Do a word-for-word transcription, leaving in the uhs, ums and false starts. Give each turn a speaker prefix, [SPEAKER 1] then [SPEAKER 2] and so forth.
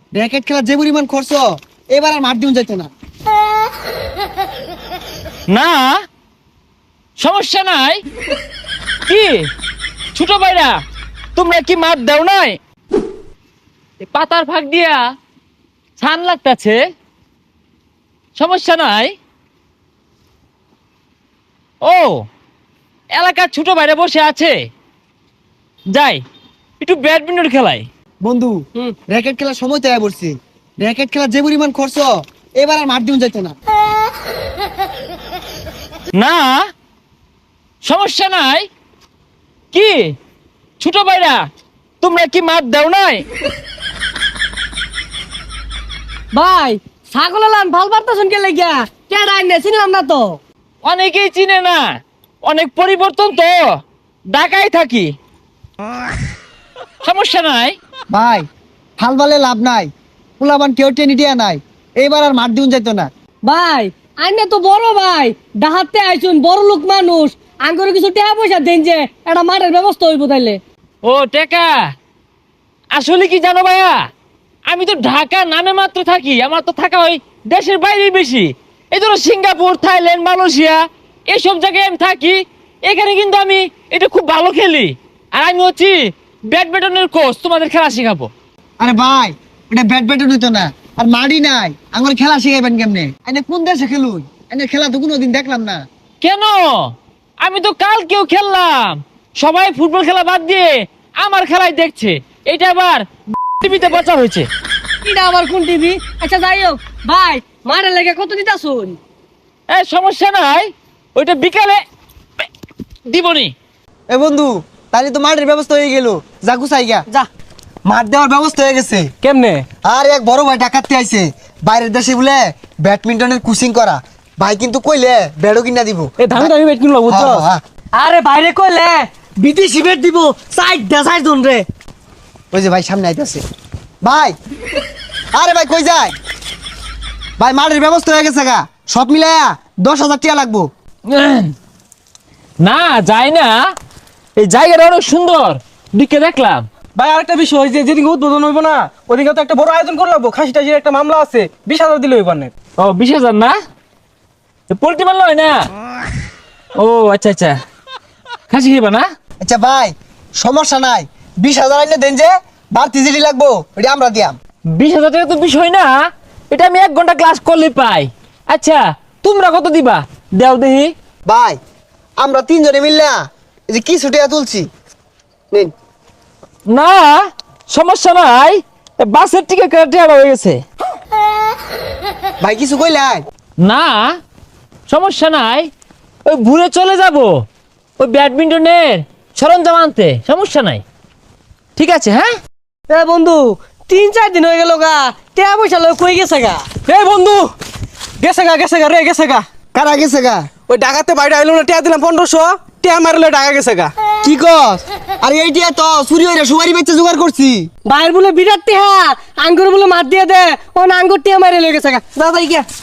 [SPEAKER 1] Racket খেলা যে পরিমাণ খরচ, এবার আর মাঠ দিন যাইতো না।
[SPEAKER 2] না সমস্যা নাই। কি ছোট ভাইরা, তোমরা কি মাঠ দাও নাই? এ পাতার ফাঁক দিয়া ছান লাগতাছে, সমস্যা নাই। ও এলাকার ছোট ভাইরা বসে আছে, যাই একটু ব্যাডমিন্টন খেলাই।
[SPEAKER 1] বন্ধু, র্যাকেট খেলার সময় তৈরি করছি। র্যাকেট খেলা যে পরিমাণ খরচ, এবার আর মাঠ দিন যাইতো না।
[SPEAKER 2] না সমস্যা নাই। কি ছোট ভাইরা, তোমরা কি মাঠ দাও নাই?
[SPEAKER 3] ভাই ছাগল লান ভাল পারতেছেন কে লাগিয়া কেডা আইনে চিনলাম না তো।
[SPEAKER 2] অনেকেই চিনে না, অনেক পরিবর্তন তো, ঢাকায় থাকি, সমস্যা নাই।
[SPEAKER 1] ভাই হাল বালে লাভ নাই, পোলাবান কেউ টেনে দিয়া নাই, এইবার আর মাঠ দিন যাইতো না।
[SPEAKER 3] ভাই আইনে তো বড় ভাই, ডাহাতে আইছুন বড় লোক মানুষ, আঙ্গুরে কিছু টাকা পয়সা দেন যে একটা মাঠের ব্যবস্থা হইব তাইলে।
[SPEAKER 2] ও টেকা, আসলে কি জানো ভাইয়া, আমি তো ঢাকা নামে মাত্র থাকি, আমার তো থাকা হয় দেশের বাইরে বেশি। এই ধরো সিঙ্গাপুর, থাইল্যান্ড, মালয়েশিয়া এসব জায়গায় আমি থাকি। এখানে কিন্তু আমি এটা খুব ভালো খেলি, আর আমি হচ্ছি ব্যাডমিন্টনের কোচ, তোমাদের খেলা শেখাবো।
[SPEAKER 1] আরে ভাই, এটা ব্যাট ব্যাটও নিতো না, আর মাঠই নাই, আমার খেলা শিখাইবেন কেমনে? এনে কোন দেশে খেলুন? এনে খেলা তো কোনোদিন দেখলাম না।
[SPEAKER 2] কেন? আমি তো কালকেও খেললাম, সবাই ফুটবল খেলা বাদ দিয়ে আমার খেলাই দেখছে। এটা আবার টিভিতে প্রচার হয়েছে।
[SPEAKER 3] এটা আবার কোন টিভি? আচ্ছা যাই হোক ভাই, মাঠের লেগে কত দিতাছুন?
[SPEAKER 2] এই সমস্যা নাই, ওইটা বিকালে দিবনি।
[SPEAKER 1] এ বন্ধু, তাহলে তো মাঠের ব্যবস্থা হয়ে গেল, যা গুছাই গা।
[SPEAKER 3] যা।
[SPEAKER 1] মাঠ দেওয়ার ব্যবস্থা হয়ে গেছে।
[SPEAKER 3] কেমনে?
[SPEAKER 1] আর এক বড় ভাই ডাকাতে আইছে, বাইরের দেশে বলে ব্যাডমিন্টনের কোচিং করা। ভাই কিন্তু কইলে ব্যাডও কিনা দিব।
[SPEAKER 3] এ দামি দামি বেট কিনলো বুঝছো?
[SPEAKER 1] হ্যাঁ, হ্যাঁ।
[SPEAKER 3] আরে বাইরে কইলে বিদেশি বেট দিব, সাইড দা সাইড জন রে।
[SPEAKER 1] ওই যে ভাই সামনে আইতাছে। ভাই, আরে ভাই কই যায়? ভাই মাঠের ব্যবস্থা হয়ে গেছে গা, সব মিলায়া দশ হাজার টাকা লাগবো।
[SPEAKER 2] না যায় না, এই জায়গাটা অনেক সুন্দর, দিকে দেখলাম।
[SPEAKER 4] ভাই আরেকটা বিষয়, যে যেদিন উদ্বোধন হইব না, ওদিকে তো একটা বড় আয়োজন করে লাগবো। খাসি টাসির একটা মামলা আছে, বিশ হাজার দিলে হইবার না।
[SPEAKER 2] ও বিশ হাজার না, পোল্ট্রি মারল হয় না? ও আচ্ছা আচ্ছা, খাসি খেবা না?
[SPEAKER 1] আচ্ছা ভাই, সমস্যা নাই, বিশ হাজার আইলে দেন, যে বাড়তি জিডি লাগবো ওটা আমরা দিয়াম।
[SPEAKER 2] বিশ হাজার টাকা তো বিষয় না, এটা আমি এক ঘন্টা ক্লাস করলে পাই। আচ্ছা তোমরা কত দিবা দেও দেখি।
[SPEAKER 1] ভাই আমরা তিনজনে মিললা এই যে কিছু টাকা তুলছি, নিন।
[SPEAKER 2] না সমস্যা নাই, এ বাসের টিকিট কেটে হয়ে গেছে।
[SPEAKER 1] ভাই কিছু কইলাই?
[SPEAKER 2] না সমস্যা নাই, ওই ঘুরে চলে যাব ওই ব্যাডমিন্টনের সরঞ্জাম আনতে, সমস্যা নাই। ঠিক আছে হ্যাঁ।
[SPEAKER 3] এ বন্ধু, তিন চার দিন হয়ে গেল গা, টাকা পয়সা লয় কই গেছে গা?
[SPEAKER 4] এই বন্ধু, গেছে গা গেছে গা রে গেছে গা।
[SPEAKER 1] কারা গেছে গা?
[SPEAKER 4] ওই ডাকাতে বাইরে আইলো না, টিয়া দিলাম পনেরোশো, টিয়া মারলে ডাকা গেছে গা।
[SPEAKER 1] কি কস? আরে এইটা তো চুরি হইরা সুপারি বেচে জোগাড় করছি।
[SPEAKER 3] বাইর বলে বিরাট টিহা, আঙ্গুর বলে মার দিয়ে দে, ও আঙ্গুর টিয়া মারে লয়ে গেছে গা। দাদা গিয়া